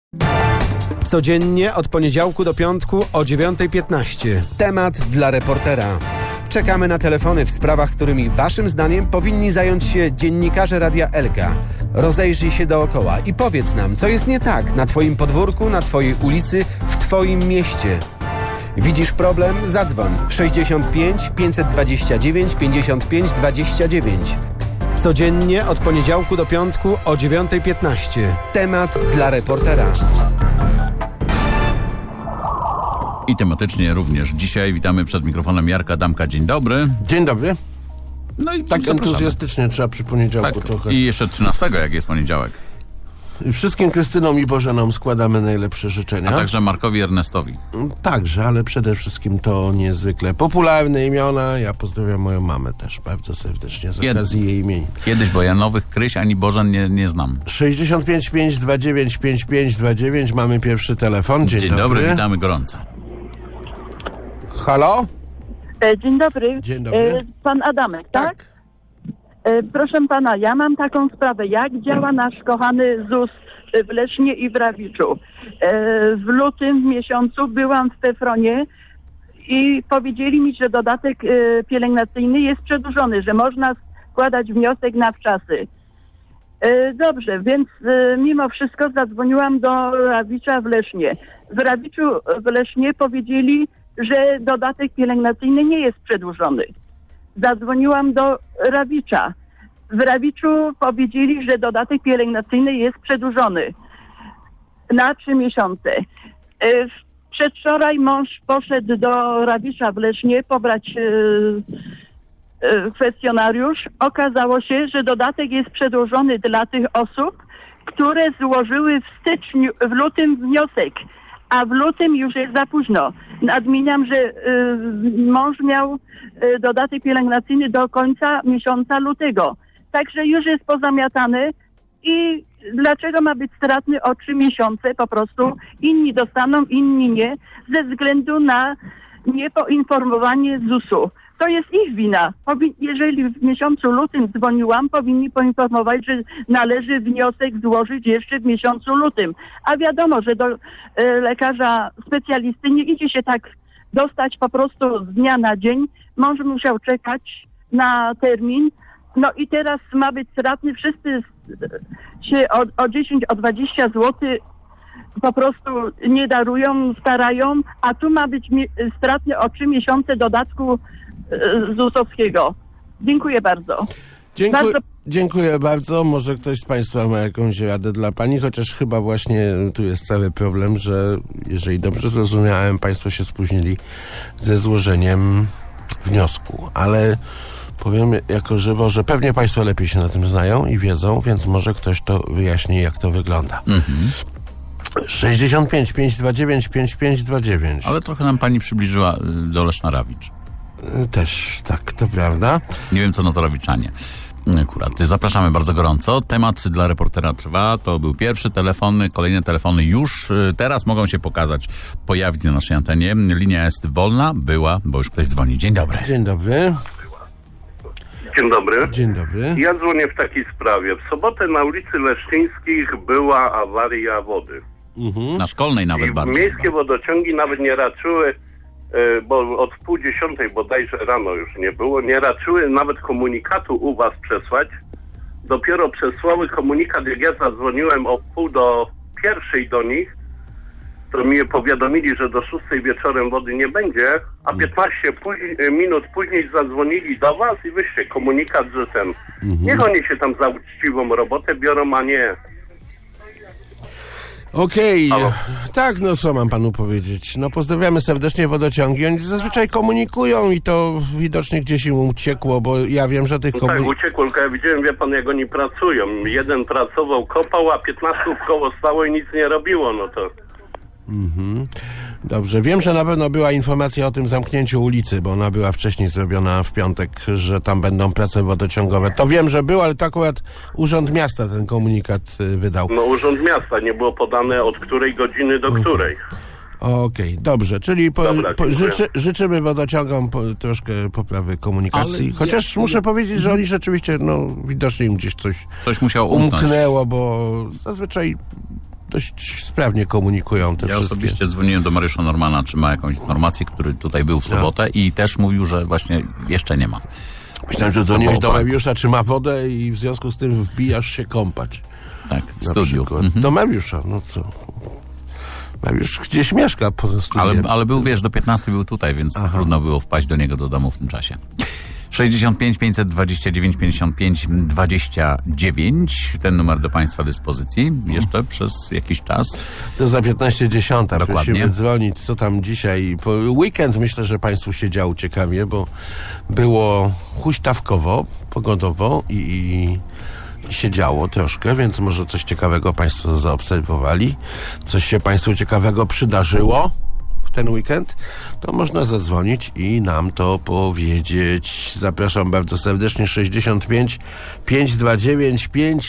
Codziennie od poniedziałku do piątku o 9:15. Temat dla reportera. Czekamy na telefony w sprawach, którymi waszym zdaniem powinni zająć się dziennikarze Radia Elka. Rozejrzyj się dookoła i powiedz nam, co jest nie tak na twoim podwórku, na twojej ulicy, w twoim mieście. Widzisz problem? Zadzwoń 65 529 55 29. Codziennie od poniedziałku do piątku o 9:15. Temat dla reportera. I tematycznie również. Dzisiaj witamy przed mikrofonem Jarka Adamka. Dzień dobry. Dzień dobry. No i tak zapraszamy. Entuzjastycznie trzeba przy poniedziałku tak. trochę. I jeszcze 13, jak jest poniedziałek. Wszystkim Krystynom i Bożenom składamy najlepsze życzenia. A także Markowi Ernestowi. Także, ale przede wszystkim to niezwykle popularne imiona. Ja pozdrawiam moją mamę też bardzo serdecznie z okazji jej imienin. Kiedyś, bo ja nowych Kryś ani Bożen nie znam. 65 529 5529. Mamy pierwszy telefon. Dzień dobry, witamy gorąco. Halo? Dzień dobry. Dzień dobry. Pan Adamek, tak? Proszę pana, ja mam taką sprawę. Jak działa nasz kochany ZUS w Lesznie i w Rawiczu? W lutym miesiącu byłam w Tefronie i powiedzieli mi, że dodatek pielęgnacyjny jest przedłużony, że można składać wniosek na wczasy. Dobrze, więc mimo wszystko zadzwoniłam do Rawicza w Lesznie. W Rawiczu w Lesznie powiedzieli, że dodatek pielęgnacyjny nie jest przedłużony. Zadzwoniłam do Rawicza. W Rawiczu powiedzieli, że dodatek pielęgnacyjny jest przedłużony na 3 miesiące. Przedwczoraj mąż poszedł do Rawicza w Lesznie pobrać kwestionariusz. Okazało się, że dodatek jest przedłużony dla tych osób, które złożyły w lutym wniosek, a w lutym już jest za późno. Nadmieniam, że mąż miał dodatek pielęgnacyjny do końca miesiąca lutego. Także już jest pozamiatany i dlaczego ma być stratny o 3 miesiące? Po prostu inni dostaną, inni nie, ze względu na niepoinformowanie ZUS-u. To jest ich wina. Jeżeli w miesiącu lutym dzwoniłam, powinni poinformować, że należy wniosek złożyć jeszcze w miesiącu lutym. A wiadomo, że do lekarza specjalisty nie idzie się tak dostać po prostu z dnia na dzień. Mąż musiał czekać na termin. No i teraz ma być stratny. Wszyscy się o 10, o 20 zł po prostu nie darują, starają, a tu ma być stratny o 3 miesiące dodatku ZUS-owskiego. Dziękuję bardzo. Dziękuję bardzo. Może ktoś z Państwa ma jakąś radę dla Pani, chociaż chyba właśnie tu jest cały problem, że jeżeli dobrze zrozumiałem, Państwo się spóźnili ze złożeniem wniosku. Ale powiem jako żywo, że pewnie Państwo lepiej się na tym znają i wiedzą, więc może ktoś to wyjaśni, jak to wygląda. 65 529 5529. Ale trochę nam Pani przybliżyła do Leszna Rawicz. Też, tak, to prawda. Nie wiem, co na to Rawiczanie. Akurat. Zapraszamy bardzo gorąco. Temat dla reportera trwa. To był pierwszy telefon. Kolejne telefony już teraz mogą się pojawić na naszej antenie. Linia jest wolna. Bo już ktoś dzwoni. Dzień dobry. Dzień dobry. Dzień dobry. Dzień dobry. Ja dzwonię w takiej sprawie. W sobotę na ulicy Leszczyńskich była awaria wody. Na Szkolnej nawet I bardzo. Miejskie wodociągi nawet nie raczyły, bo od 9:30 bodajże rano już nie było, nie raczyły nawet komunikatu u was przesłać. Dopiero przesłały komunikat, jak ja zadzwoniłem o 9:30 do nich, to mi powiadomili, że do 6:00 wieczorem wody nie będzie, a 15 minut później zadzwonili do was i wyście komunikat, że niech oni się tam za uczciwą robotę biorą, a nie. Okej. Tak, no co mam panu powiedzieć? No pozdrawiamy serdecznie wodociągi. Oni zazwyczaj komunikują i to widocznie gdzieś im uciekło, bo ja wiem, że tych Tak, uciekło, tylko ja widziałem, wie pan, jak oni pracują. Jeden pracował, kopał, a 15 koło stało i nic nie robiło, no to... Dobrze, wiem, że na pewno była informacja o tym zamknięciu ulicy, bo ona była wcześniej zrobiona w piątek, że tam będą prace wodociągowe. To wiem, że był, ale to akurat Urząd Miasta ten komunikat wydał. No Urząd Miasta, nie było podane od której godziny do której. Okej, dobrze, czyli życzymy wodociągom troszkę poprawy komunikacji. Ale chociaż muszę powiedzieć, że oni rzeczywiście, no widocznie im gdzieś coś musiało umknąć. umknęło, bo zazwyczaj dość sprawnie komunikują te Ja wszystkie. osobiście dzwoniłem do Mariusza Normana, czy ma jakąś informację, który tutaj był w sobotę i też mówił, że właśnie jeszcze nie ma. Myślałem, że dzwoniłeś do banku. Mariusza, czy ma wodę i w związku z tym wbijasz się kąpać. Tak, w Na studiu. przykład. Do Mariusza, no co? Mariusz gdzieś mieszka poza studiem. Ale był, wiesz, do 15 był tutaj, więc trudno było wpaść do niego do domu w tym czasie. 65 529 55 29. Ten numer do Państwa dyspozycji jeszcze przez jakiś czas. To za 15:10. Dokładnie. Prosimy dzwonić, co tam dzisiaj. Po weekend myślę, że Państwu się działo ciekawie, bo było huśtawkowo, pogodowo i się działo troszkę, więc może coś ciekawego Państwo zaobserwowali. Coś się Państwu ciekawego przydarzyło w ten weekend, to można zadzwonić i nam to powiedzieć. Zapraszam bardzo serdecznie. 65 529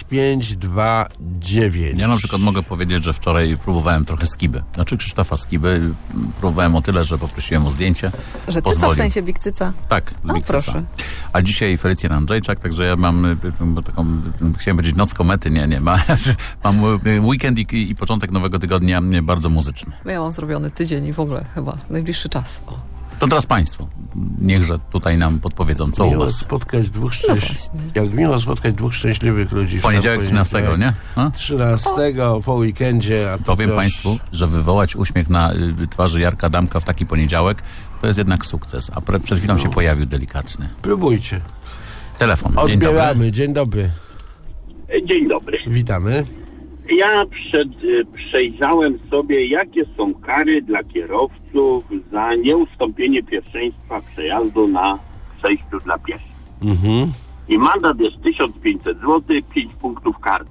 5529. Ja na przykład mogę powiedzieć, że wczoraj próbowałem trochę skiby. Znaczy Krzysztofa Skiby. Próbowałem o tyle, że poprosiłem o zdjęcie. Że cyca Pozwolił. w sensie Big Cyca. Tak, O, Big proszę. Cyca. A dzisiaj Felicjan Andrzejczak, także ja mam taką, chciałem powiedzieć noc komety, nie, mam weekend i początek nowego tygodnia bardzo muzyczny. Ja mam zrobiony tydzień i w ogóle chyba najbliższy czas. O. To teraz Państwo, niechże tutaj nam podpowiedzą, co u Miło Was. spotkać dwóch właśnie. Jak miło spotkać dwóch szczęśliwych ludzi. w Poniedziałek sam 13, nie? A? 13 po weekendzie. A to Powiem też- Państwu, że wywołać uśmiech na twarzy Jarka Damka w taki poniedziałek, to jest jednak sukces. A przed chwilą się pojawił delikatny Próbujcie. telefon. Dzień dobry. Odbieramy. Dzień dobry. Dzień dobry. Witamy. Ja przejrzałem sobie, jakie są kary dla kierowców za nieustąpienie pierwszeństwa przejazdu na przejściu dla pieszych. Mhm. I mandat jest 1500 zł, 5 punktów karty.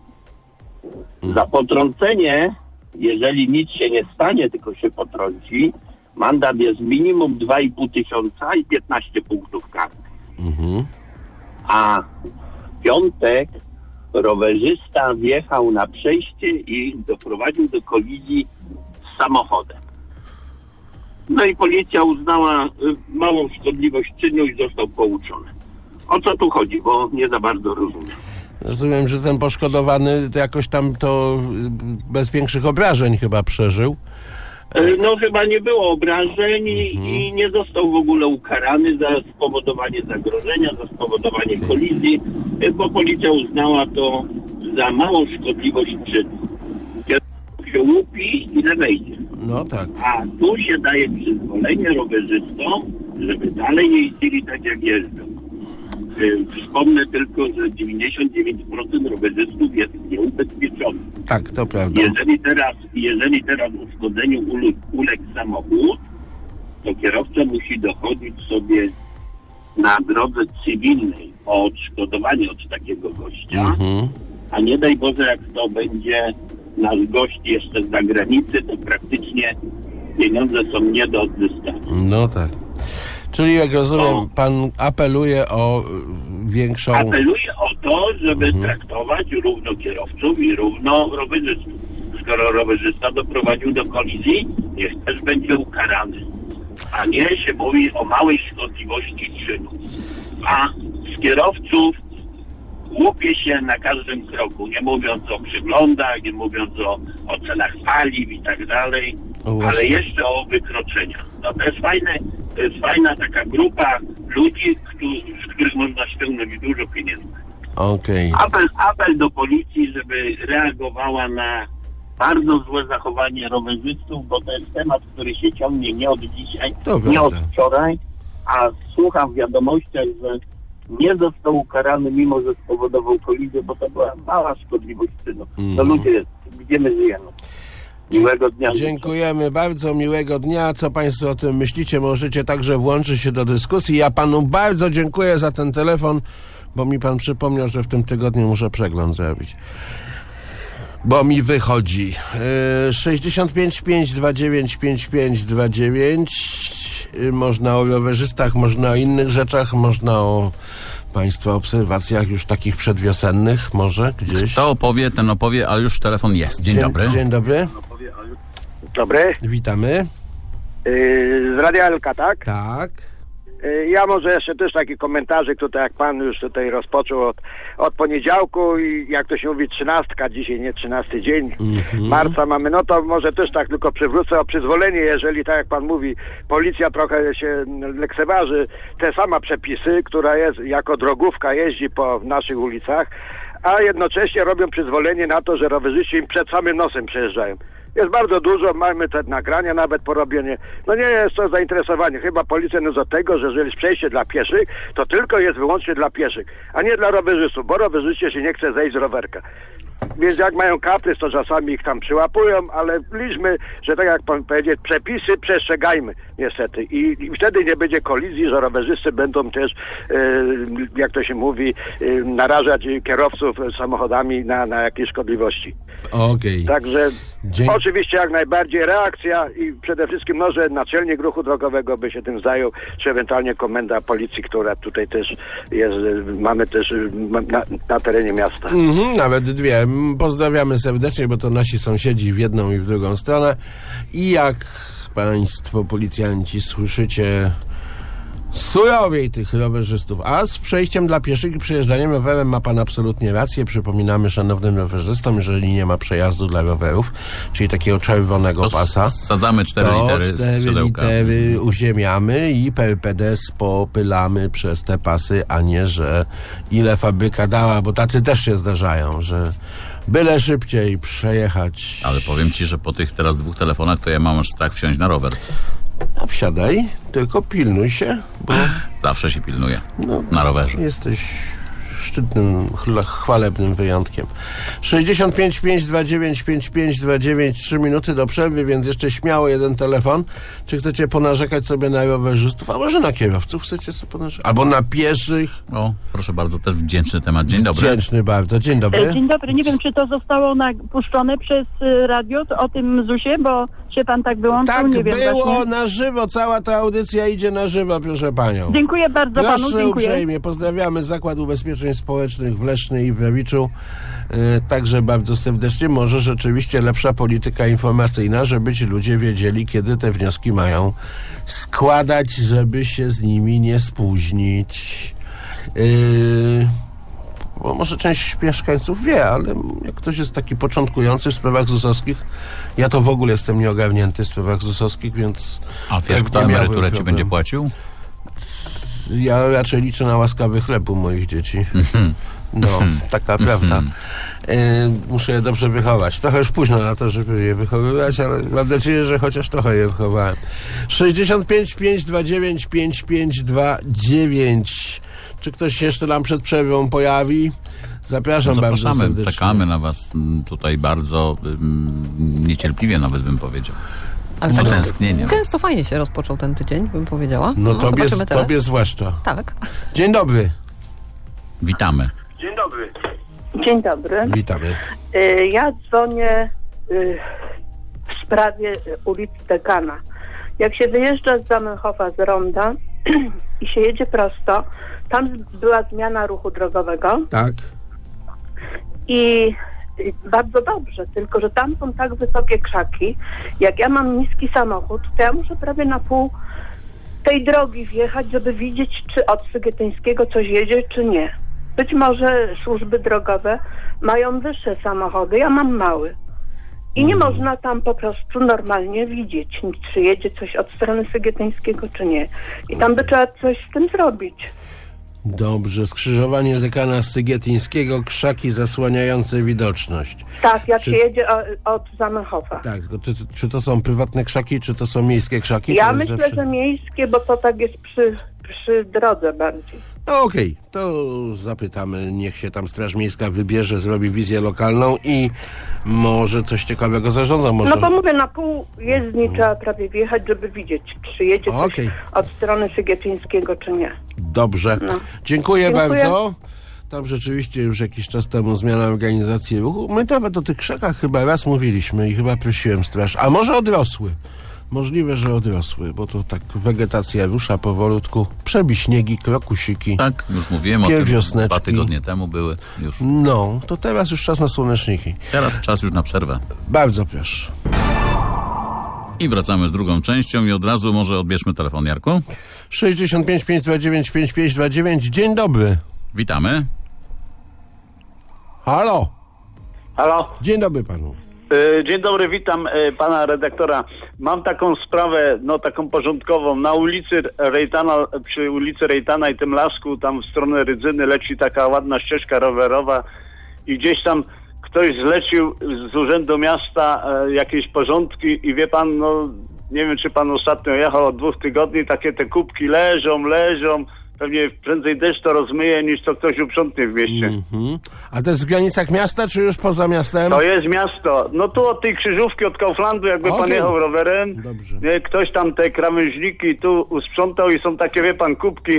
Za potrącenie, jeżeli nic się nie stanie, tylko się potrąci, mandat jest minimum 2,5 tysiąca i 15 punktów karty. Mhm. A w piątek rowerzysta wjechał na przejście i doprowadził do kolizji z samochodem. No i policja uznała małą szkodliwość czynu i został pouczony. O co tu chodzi, bo nie za bardzo rozumiem. Rozumiem, że ten poszkodowany to jakoś tam to bez większych obrażeń chyba przeżył. No chyba nie było obrażeń i nie został w ogóle ukarany za spowodowanie zagrożenia, za spowodowanie kolizji, bo policja uznała to za małą szkodliwość czynu. Kierowca się łupi, ile wejdzie. No tak. A tu się daje przyzwolenie rowerzystom, żeby dalej jeździli tak jak jeżdżą. Wspomnę tylko, że 99% rowerzystów jest nieubezpieczonych. Tak, to prawda. Jeżeli teraz uszkodzeniu uległ samochód, to kierowca musi dochodzić sobie na drodze cywilnej o odszkodowanie od takiego gościa, Mhm. a nie daj Boże, jak to będzie nasz gość jeszcze z zagranicy, to praktycznie pieniądze są nie do odzyskania. No tak. Czyli jak rozumiem, No. pan apeluje o większą... Apeluję o to, żeby traktować równo kierowców i równo rowerzystów. Skoro rowerzysta doprowadził do kolizji, niech też będzie ukarany. A nie się mówi o małej szkodliwości czynu. A z kierowców łupie się na każdym kroku, nie mówiąc o przyglądach, nie mówiąc o cenach paliw i tak dalej, O, właśnie. ale jeszcze o wykroczeniach. No to jest fajna taka grupa ludzi, z których można ściągnąć dużo pieniędzy. Okej. Apel do policji, żeby reagowała na bardzo złe zachowanie rowerzystów, bo to jest temat, który się ciągnie nie od dzisiaj, To nie od prawda. wczoraj, a słucham w wiadomościach, że nie został ukarany, mimo że spowodował kolizję, bo to była mała szkodliwość czynu. No ludzie, gdzie my żyjemy? Miłego dnia. Dziękujemy bardzo, miłego dnia. Co Państwo o tym myślicie? Możecie także włączyć się do dyskusji. Ja Panu bardzo dziękuję za ten telefon, bo mi Pan przypomniał, że w tym tygodniu muszę przegląd zrobić. Bo mi wychodzi. 65 529 5529. Można o rowerzystach, można o innych rzeczach, można o Państwa obserwacjach już takich przedwiosennych, może gdzieś. Kto opowie, ten opowie, ale już telefon jest. Dzień dobry. Dzień dobry. Dobry. Witamy. Z Radia Elka, tak? Tak. Ja może jeszcze też taki komentarzyk tutaj, jak pan już tutaj rozpoczął od poniedziałku i jak to się mówi 13, dzisiaj nie 13 dzień marca mamy, no to może też tak tylko przywrócę o przyzwolenie, jeżeli tak jak pan mówi, policja trochę się lekceważy te same przepisy, która jest jako drogówka jeździ po naszych ulicach, a jednocześnie robią przyzwolenie na to, że rowerzyści im przed samym nosem przejeżdżają. Jest bardzo dużo, mamy te nagrania nawet porobienie. No nie jest to zainteresowanie. Chyba policja jest do tego, że jeżeli jest przejście dla pieszych, to tylko jest wyłącznie dla pieszych, a nie dla rowerzystów, bo rowerzyście się nie chce zejść z rowerka. Więc jak mają kaprys, to czasami ich tam przyłapują, ale liczmy, że tak jak pan powiedział, przepisy przestrzegajmy niestety. I wtedy nie będzie kolizji, że rowerzysty będą też, jak to się mówi, narażać kierowców samochodami na jakieś szkodliwości. Okej. Także oczywiście jak najbardziej reakcja i przede wszystkim może naczelnik ruchu drogowego by się tym zajął, czy ewentualnie komenda policji, która tutaj też jest, mamy też na terenie miasta. Nawet dwie. Pozdrawiamy serdecznie, bo to nasi sąsiedzi w jedną i w drugą stronę. I jak państwo policjanci słyszycie surowiej tych rowerzystów, a z przejściem dla pieszych i przejeżdżaniem rowerem ma pan absolutnie rację. Przypominamy szanownym rowerzystom, jeżeli nie ma przejazdu dla rowerów, czyli takiego czerwonego To pasa, sadzamy 4 to litery z 4 siodełka. litery uziemiamy i per pedes popylamy przez te pasy, a nie, że ile fabryka dała, bo tacy też się zdarzają, że byle szybciej przejechać. Ale powiem ci, że po tych teraz 2 telefonach to ja mam aż strach wsiąść na rower. A wsiadaj, tylko pilnuj się, bo Zawsze się pilnuję na rowerze. jesteś szczytnym, chwalebnym wyjątkiem. 65 529 5529, 3 minuty do przerwy, więc jeszcze śmiało jeden telefon. Czy chcecie ponarzekać sobie na rowerzystów, a może na kierowców chcecie sobie ponarzekać? Albo na pieszych? O, proszę bardzo, też wdzięczny temat. Dzień dobry. Wdzięczny bardzo. Dzień dobry. Dzień dobry. Nie wiem, czy to zostało puszczone przez radio o tym ZUS-ie, bo się pan tak wyłączył. Tak, nie wiem było właśnie. na żywo. Cała ta audycja idzie na żywo, proszę panią. Dziękuję bardzo panu. Proszę Dziękuję. uprzejmie. Pozdrawiamy Zakład Ubezpieczeń Społecznych w Lesznie i w Rawiczu. Także bardzo serdecznie. Może rzeczywiście lepsza polityka informacyjna, żeby ci ludzie wiedzieli, kiedy te wnioski mają składać, żeby się z nimi nie spóźnić. Bo może część mieszkańców wie, ale jak ktoś jest taki początkujący w sprawach ZUS-owskich, ja to w ogóle jestem nieogarnięty w sprawach ZUS-owskich, więc... A wiesz, tak kto nie miałbym emeryturę ci problemu. będzie płacił? Ja raczej liczę na łaskawy chleb u moich dzieci. No, taka prawda. Muszę je dobrze wychować. Trochę już późno na to, żeby je wychowywać, ale mam nadzieję, że chociaż trochę je wychowałem. 65 529 5529. Czy ktoś się jeszcze nam przed przerwą pojawi? Zapraszam bardzo Zapraszamy, serdecznie. czekamy na was tutaj bardzo niecierpliwie nawet bym powiedział. Ale Z tak utęsknieniem. gęsto fajnie się rozpoczął ten tydzień, bym powiedziała. No zobaczymy teraz. tobie zwłaszcza. Tak. Dzień dobry. Witamy. Dzień dobry. Dzień dobry. Witamy. Ja dzwonię w sprawie ulicy Dekana. Jak się wyjeżdża z Zamenhofa z Ronda i się jedzie prosto, tam była zmiana ruchu drogowego Tak. i bardzo dobrze, tylko że tam są tak wysokie krzaki. Jak ja mam niski samochód, to ja muszę prawie na pół tej drogi wjechać, żeby widzieć, czy od Sygietyńskiego coś jedzie, czy nie. Być może służby drogowe mają wyższe samochody, ja mam mały. I nie można tam po prostu normalnie widzieć, czy jedzie coś od strony Sygietyńskiego, czy nie. I tam by trzeba coś z tym zrobić. Dobrze. Skrzyżowanie Dekana z Sygietyńskiego, krzaki zasłaniające widoczność. Tak, jak się jedzie od Zamenhofa. Tak, tylko czy to są prywatne krzaki, czy to są miejskie krzaki? Ja To jest myślę, że miejskie, bo to tak jest przy drodze bardziej. No okej, to zapytamy, niech się tam Straż Miejska wybierze, zrobi wizję lokalną i może coś ciekawego zarządza. Może... No bo mówię, na pół jezdni trzeba prawie wjechać, żeby widzieć, czy jedzie coś Okej. od strony Sygietyńskiego, czy nie. Dobrze. No. Dziękuję Dziękuję. bardzo. Tam rzeczywiście już jakiś czas temu zmiana organizacji ruchu. My nawet o tych krzakach chyba raz mówiliśmy i chyba prosiłem straż. A może odrosły? Możliwe, że odrosły, bo to tak wegetacja rusza powolutku. Przebiśniegi, krokusiki. Tak, już mówiłem o tym. Wiosneczki. 2 tygodnie temu były już. No, to teraz już czas na słoneczniki. Teraz czas już na przerwę. Bardzo proszę. I wracamy z drugą częścią i od razu może odbierzmy telefon, Jarku. 65 529 5529. Dzień dobry. Witamy. Halo. Halo? Dzień dobry panu. Dzień dobry, witam pana redaktora. Mam taką sprawę, taką porządkową. Na ulicy Rejtana, przy ulicy Rejtana i tym lasku, tam w stronę Rydzyny leci taka ładna ścieżka rowerowa i gdzieś tam ktoś zlecił z Urzędu Miasta jakieś porządki i wie pan, nie wiem czy pan ostatnio jechał od 2 tygodni, takie te kubki leżą. Pewnie prędzej deszcz to rozmyje, niż to ktoś uprzątnie w mieście. A to jest w granicach miasta, czy już poza miastem? To jest miasto. Tu od tej krzyżówki, od Kauflandu, jakby pan jechał rowerem, nie, ktoś tam te krawężniki tu usprzątał i są takie, wie pan, kubki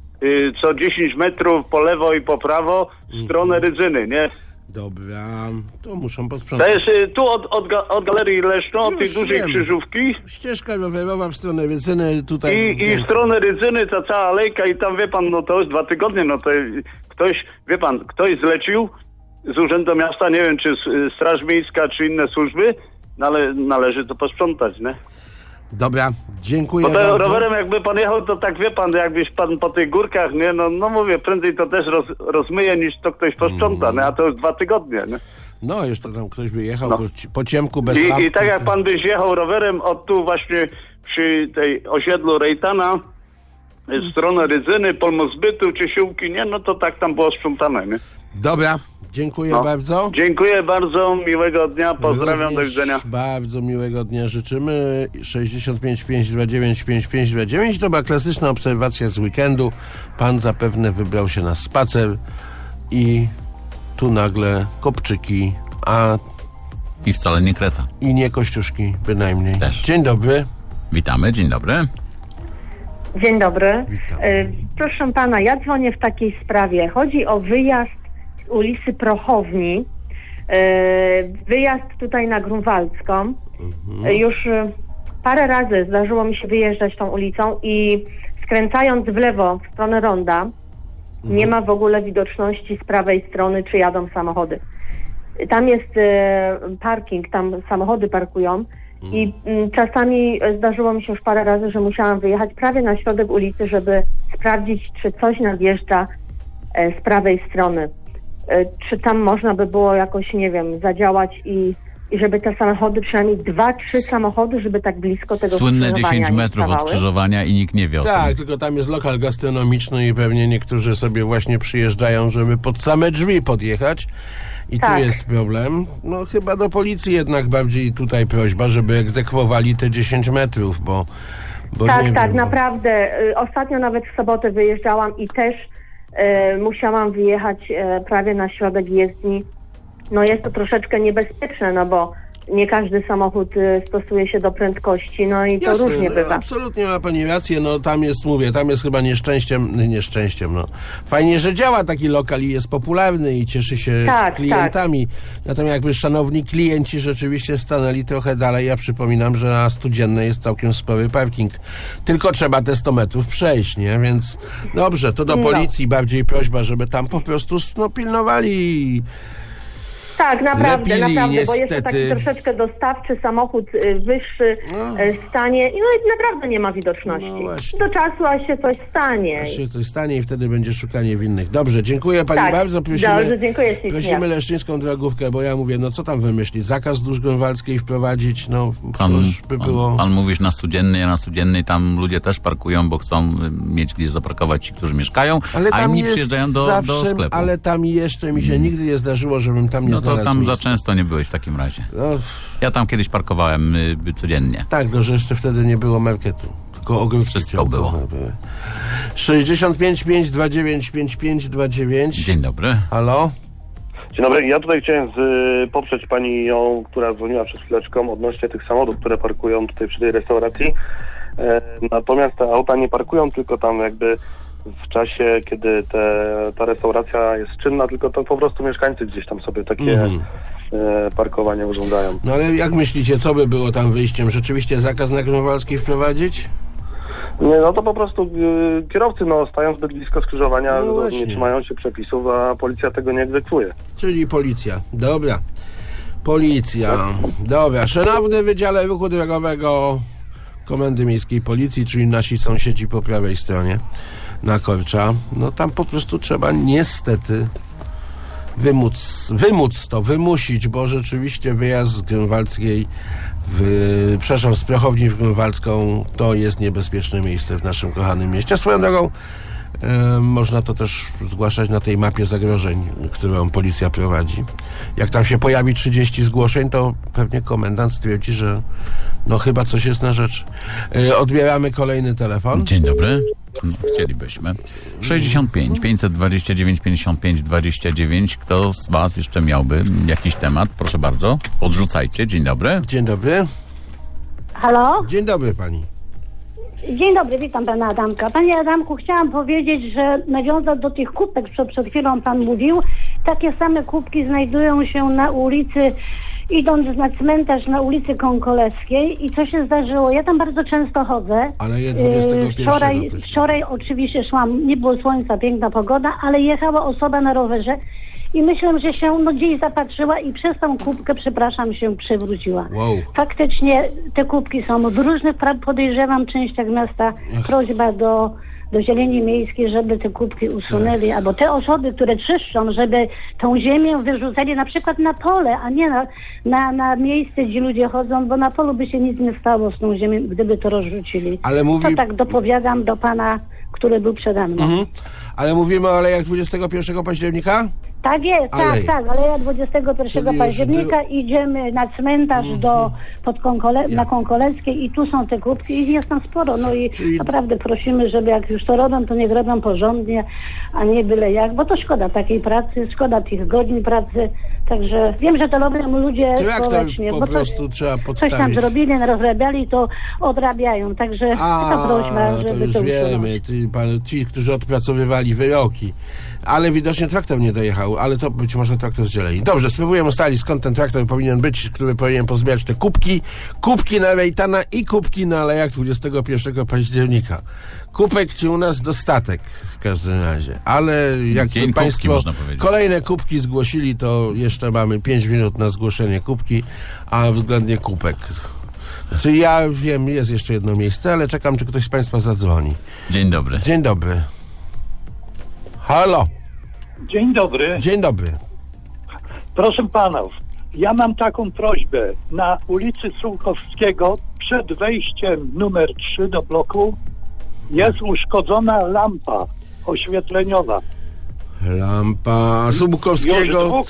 co 10 metrów po lewo i po prawo w stronę Rydzyny, nie? Dobra, to muszą posprzątać. To jest tu od Galerii Leszno, od tej dużej krzyżówki. Ścieżka rowerowa w stronę Rydzyny tutaj. I w stronę Rydzyny ta cała alejka i tam, wie pan, to jest 2 tygodnie, to ktoś, wie pan, ktoś zlecił z Urzędu Miasta, nie wiem czy Straż Miejska, czy inne służby, ale należy to posprzątać, nie? Dobra, dziękuję Bo bardzo. rowerem jakby pan jechał, to tak wie pan, jakbyś pan po tych górkach, nie? Mówię, prędzej to też rozmyje, niż to ktoś posprząta, nie? A to już 2 tygodnie, nie? No, jeszcze tam ktoś by jechał po ciemku bez lampki. I tak jak pan byś jechał rowerem od tu właśnie przy tej osiedlu Rejtana, w stronę Rydzyny, Polmozbytu, Ciesiółki, nie? To tak tam było sprzątane, nie? Dobra, dziękuję bardzo. Dziękuję bardzo, miłego dnia, pozdrawiam, Również do widzenia. Bardzo miłego dnia życzymy. 65 529 5529 to była klasyczna obserwacja z weekendu. Pan zapewne wybrał się na spacer i tu nagle kopczyki, a I wcale nie kreta. i nie kościuszki bynajmniej. Też. Dzień dobry. Witamy, dzień dobry. Dzień dobry. Witam. Proszę pana, ja dzwonię w takiej sprawie. Chodzi o wyjazd z ulicy Prochowni. Wyjazd tutaj na Grunwaldzką. Już parę razy zdarzyło mi się wyjeżdżać tą ulicą i skręcając w lewo w stronę ronda nie ma w ogóle widoczności z prawej strony, czy jadą samochody. Tam jest parking, tam samochody parkują i czasami zdarzyło mi się już parę razy, że musiałam wyjechać prawie na środek ulicy, żeby sprawdzić, czy coś nadjeżdża z prawej strony. Czy tam można by było jakoś, nie wiem, zadziałać i żeby te samochody, przynajmniej 2-3 samochody, żeby tak blisko tego Słynne skrzyżowania 10 nie metrów od stawały. skrzyżowania i nikt nie wie o Tak, tym. tylko tam jest lokal gastronomiczny i pewnie niektórzy sobie właśnie przyjeżdżają, żeby pod same drzwi podjechać. I Tak. tu jest problem. Chyba do policji jednak bardziej tutaj prośba, żeby egzekwowali te 10 metrów, bo Tak, nie tak, wiem, naprawdę. Ostatnio nawet w sobotę wyjeżdżałam i też musiałam wyjechać prawie na środek jezdni. Jest to troszeczkę niebezpieczne, bo nie każdy samochód stosuje się do prędkości, i to Jasne, różnie bywa. absolutnie ma pani rację, tam jest chyba nieszczęściem, fajnie, że działa taki lokal i jest popularny i cieszy się klientami. Natomiast jakby szanowni klienci rzeczywiście stanęli trochę dalej, ja przypominam, że na Studziennej jest całkiem spory parking. Tylko trzeba te 100 metrów przejść, nie? Więc dobrze, to do policji bardziej prośba, żeby tam po prostu pilnowali. Tak, naprawdę, Lepili, bo jest to niestety. taki troszeczkę dostawczy samochód, wyższy stanie i naprawdę nie ma widoczności. Właśnie. Do czasu, aż się coś stanie. Aż się coś stanie i wtedy będzie szukanie winnych. Dobrze, dziękuję pani bardzo. Dobrze, dziękuję ślicznie. Prosimy leszczyńską drogówkę, bo ja mówię, co tam wymyślić? Zakaz wzdłuż Grunwaldzkiej wprowadzić, by było... Pan mówisz na Studziennej, a na Studziennej tam ludzie też parkują, bo chcą mieć gdzie zaparkować ci, którzy mieszkają, a inni przyjeżdżają do sklepu. Ale tam jeszcze mi się nigdy nie zdarzyło, żebym tam nie znalazł to tam miejsca. za często nie byłeś w takim razie. Ja tam kiedyś parkowałem codziennie. Tak, że jeszcze wtedy nie było marketu. Tylko ogródki. Wszystko było. 65 529 5529. Dzień dobry. Halo? Dzień dobry, ja tutaj chciałem poprzeć panią, która dzwoniła przed chwileczką odnośnie tych samochodów, które parkują tutaj przy tej restauracji. Natomiast te auta nie parkują tylko tam jakby w czasie, kiedy ta restauracja jest czynna, tylko to po prostu mieszkańcy gdzieś tam sobie takie parkowanie urządzają. Ale jak myślicie, co by było tam wyjściem? Rzeczywiście zakaz na Grunwaldzkiej wprowadzić? Nie, to po prostu kierowcy stają zbyt blisko skrzyżowania, nie trzymają się przepisów, a policja tego nie egzekwuje. Czyli policja. Dobra. Policja. Dobra, Szanowny Wydziale Ruchu Drogowego Komendy Miejskiej Policji, czyli nasi sąsiedzi po prawej stronie na Korcza. No tam po prostu trzeba niestety wymusić, bo rzeczywiście wyjazd z Grunwaldzkiej z Prochowni w Grunwaldzką to jest niebezpieczne miejsce w naszym kochanym mieście. Swoją drogą można to też zgłaszać na tej mapie zagrożeń, którą policja prowadzi. Jak tam się pojawi 30 zgłoszeń, to pewnie komendant stwierdzi, że no chyba coś jest na rzecz. Odbieramy kolejny telefon. Dzień dobry. No, chcielibyśmy. 65 529 55 29. Kto z was jeszcze miałby jakiś temat? Proszę bardzo, podrzucajcie. Dzień dobry. Dzień dobry. Halo? Dzień dobry pani. Dzień dobry, witam pana Adamka. Panie Adamku, chciałam powiedzieć, że nawiązać do tych kubek, co przed chwilą pan mówił, takie same kubki znajdują się na ulicy, idąc na cmentarz na ulicy Konkoleskiej. I co się zdarzyło? Ja tam bardzo często chodzę. Ale je 21. Wczoraj oczywiście szłam, nie było słońca, piękna pogoda, ale jechała osoba na rowerze i myślę, że się gdzieś zapatrzyła i przez tą kubkę, przepraszam, się przewróciła. Wow. Faktycznie te kubki są w różnych, podejrzewam, częściach miasta. Prośba do Zieleni Miejskiej, żeby te kubki usunęli, albo te osoby, które czyszczą, żeby tą ziemię wyrzucali na przykład na pole, a nie na miejsce, gdzie ludzie chodzą, bo na polu by się nic nie stało z tą ziemią, gdyby to rozrzucili. Ale to tak dopowiadam do pana, który był przede mną. Ale mówimy o alejach 21 października? Tak jest, tak, ale ja 21 października idziemy na cmentarz na Konkoleckiej i tu są te kubki i jest tam sporo. No i naprawdę prosimy, żeby jak już to robią, to niech robią porządnie, a nie byle jak, bo to szkoda takiej pracy, szkoda tych godzin pracy. Także wiem, że to robią ludzie społecznie, po prostu trzeba podstawić. Coś tam zrobili, rozrabiali, to odrabiają. Także to prośba, żeby to już to wiemy, ci, którzy odpracowywali wyroki. Ale widocznie traktor nie dojechał, ale to być może traktor zdzieleli. Dobrze, spróbujemy ustalić, skąd ten traktor powinien być, który powinien pozbierać te kubki na Rejtana i kubki na alejach 21 października. Kubek ci u nas dostatek w każdym razie, ale jak państwo kolejne kubki zgłosili, to jeszcze mamy 5 minut na zgłoszenie kubki, a względnie kubek. Znaczy ja wiem, jest jeszcze jedno miejsce, ale czekam, czy ktoś z państwa zadzwoni. Dzień dobry. Dzień dobry. Halo. Dzień dobry. Dzień dobry. Proszę panów, ja mam taką prośbę. Na ulicy Sułkowskiego przed wejściem numer 3 do bloku jest uszkodzona lampa oświetleniowa. Lampa Sułkowskiego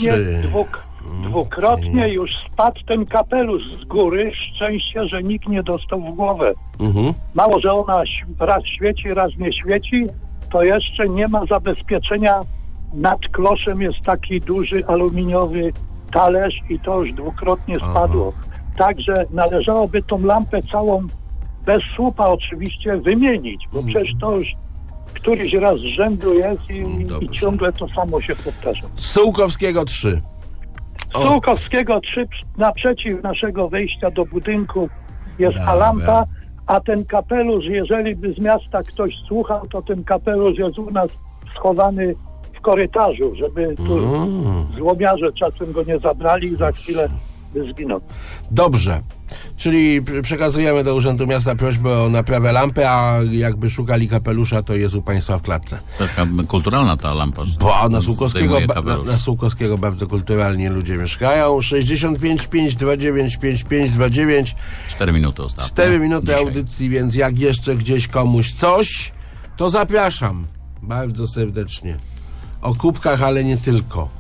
dwukrotnie już spadł ten kapelusz z góry. Szczęście, że nikt nie dostał w głowę. Mało, że ona raz świeci, raz nie świeci, to jeszcze nie ma zabezpieczenia. Nad kloszem jest taki duży aluminiowy talerz i to już dwukrotnie spadło. Także należałoby tą lampę całą, bez słupa oczywiście, wymienić, bo przecież to już któryś raz z rzędu jest i ciągle to samo się powtarza. Sułkowskiego 3. Sułkowskiego 3 naprzeciw naszego wejścia do budynku jest ta lampa, a ten kapelusz, jeżeli by z miasta ktoś słuchał, to ten kapelusz jest u nas schowany w korytarzu, żeby tu złomiarze czasem go nie zabrali i za chwilę by zginął. Dobrze. Czyli przekazujemy do Urzędu Miasta prośbę o naprawę lampy, a jakby szukali kapelusza, to jest u państwa w klatce. Taka kulturalna ta lampa. Bo na Sułkowskiego bardzo kulturalnie ludzie mieszkają. 65 529 5529. 4 minuty ostatnio. 4 minuty audycji, więc jak jeszcze gdzieś komuś coś, to zapraszam bardzo serdecznie. O kubkach, ale nie tylko.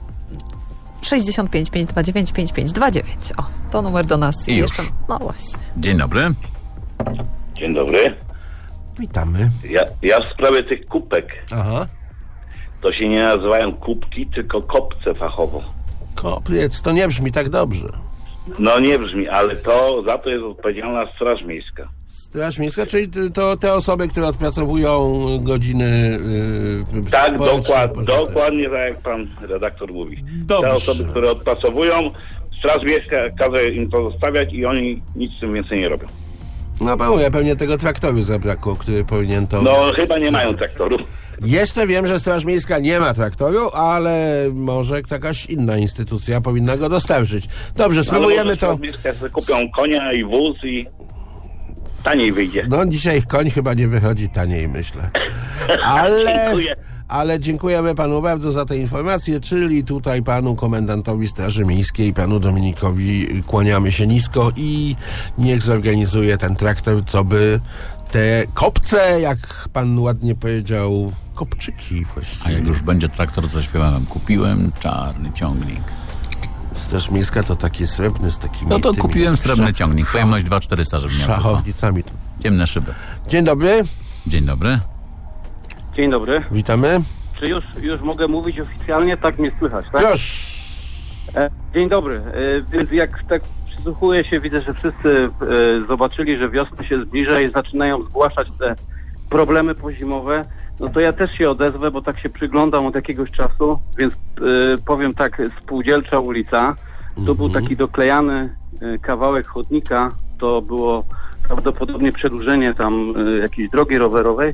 65 529 5529. O, to numer do nas. I jeszcze. Już. No właśnie. Dzień dobry. Dzień dobry. Witamy. Ja w sprawie tych kubek. Aha. To się nie nazywają kubki, tylko kopce fachowo. Kopiec, to nie brzmi tak dobrze. No nie brzmi, ale za to jest odpowiedzialna Straż Miejska. Straż Miejska, czyli to te osoby, które odpracowują godziny... Tak, dokładnie tak jak pan redaktor mówi. Dobrze. Te osoby, które odpracowują, Straż Miejska każe im to zostawiać i oni nic z tym więcej nie robią. No pewnie tego traktoru zabrakło, który powinien to... No chyba nie mają traktoru. Jeszcze wiem, że Straż Miejska nie ma traktoru, ale może jakaś inna instytucja powinna go dostarczyć. Dobrze, spróbujemy to. Straż Miejska sobie kupią konia i wóz i taniej wyjdzie. No dzisiaj koń chyba nie wychodzi taniej, myślę. Dziękuję. Ale dziękujemy panu bardzo za te informacje, czyli tutaj panu komendantowi Straży Miejskiej, panu Dominikowi kłaniamy się nisko i niech zorganizuje ten traktor, co by te kopce, jak pan ładnie powiedział, kopczyki właściwie. A jak już będzie traktor, co śpiewałem, kupiłem czarny ciągnik. Straż Miejska to taki srebrny z takimi... No to kupiłem srebrny ciągnik, pojemność 2400, żeby miał. Szachownicami. Ciemne szyby. Dzień dobry. Dzień dobry. Dzień dobry. Witamy. Czy już mogę mówić oficjalnie? Tak mnie słychać, tak? Już. Dzień dobry. Więc jak tak przysłuchuję się, widzę, że wszyscy zobaczyli, że wiosna się zbliża i zaczynają zgłaszać te problemy pozimowe. No to ja też się odezwę, bo tak się przyglądam od jakiegoś czasu, więc powiem tak, Spółdzielcza ulica, to był taki doklejany kawałek chodnika, to było prawdopodobnie przedłużenie tam jakiejś drogi rowerowej.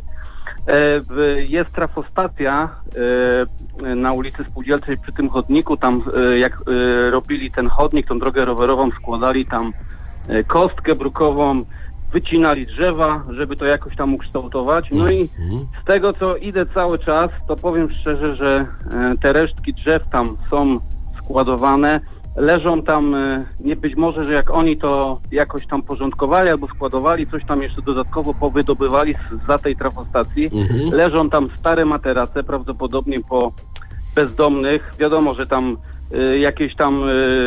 Jest trafostacja na ulicy Spółdzielczej przy tym chodniku, tam jak robili ten chodnik, tą drogę rowerową, składali tam kostkę brukową, wycinali drzewa, żeby to jakoś tam ukształtować. No i z tego, co idę cały czas, to powiem szczerze, że te resztki drzew tam są składowane, leżą tam, nie być może, że jak oni to jakoś tam porządkowali albo składowali, coś tam jeszcze dodatkowo powydobywali za tej trafostacji, leżą tam stare materace, prawdopodobnie po bezdomnych, wiadomo, że tam jakieś tam,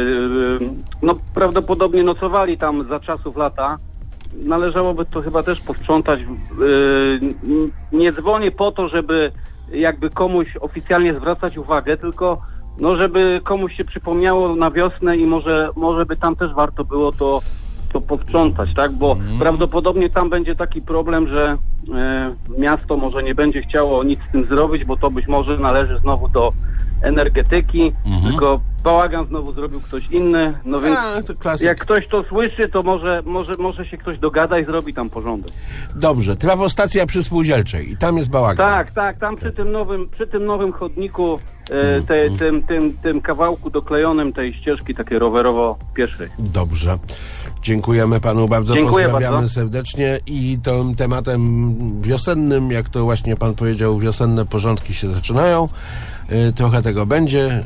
no prawdopodobnie nocowali tam za czasów lata. Należałoby to chyba też posprzątać. Nie dzwonię po to, żeby jakby komuś oficjalnie zwracać uwagę, tylko no żeby komuś się przypomniało na wiosnę i może by tam też warto było to posprzątać, tak? Bo prawdopodobnie tam będzie taki problem, że miasto może nie będzie chciało nic z tym zrobić, bo to być może należy znowu do energetyki, tylko bałagan znowu zrobił ktoś inny, no więc jak ktoś to słyszy, to może się ktoś dogada i zrobi tam porządek. Dobrze, trafostacja przy Spółdzielczej i tam jest bałagan. Tak, tam przy tym nowym chodniku, tym kawałku doklejonym tej ścieżki takiej rowerowo-pieszej. Dobrze. Dziękujemy panu bardzo, Dziękuję pozdrawiamy bardzo serdecznie i tym tematem wiosennym, jak to właśnie pan powiedział, wiosenne porządki się zaczynają. Trochę tego będzie.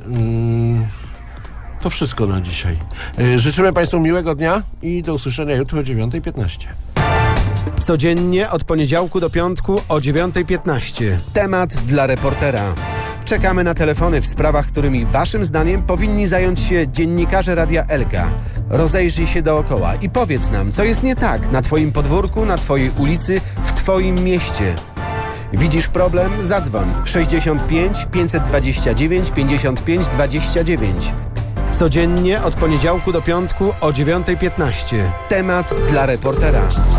To wszystko na dzisiaj. Życzymy państwu miłego dnia i do usłyszenia jutro o 9:15. Codziennie od poniedziałku do piątku o 9:15. Temat dla reportera. Czekamy na telefony w sprawach, którymi waszym zdaniem powinni zająć się dziennikarze Radia Elka. Rozejrzyj się dookoła i powiedz nam, co jest nie tak na twoim podwórku, na twojej ulicy, w twoim mieście. Widzisz problem? Zadzwoń 65 529 55 29. Codziennie od poniedziałku do piątku o 9:15. Temat dla reportera.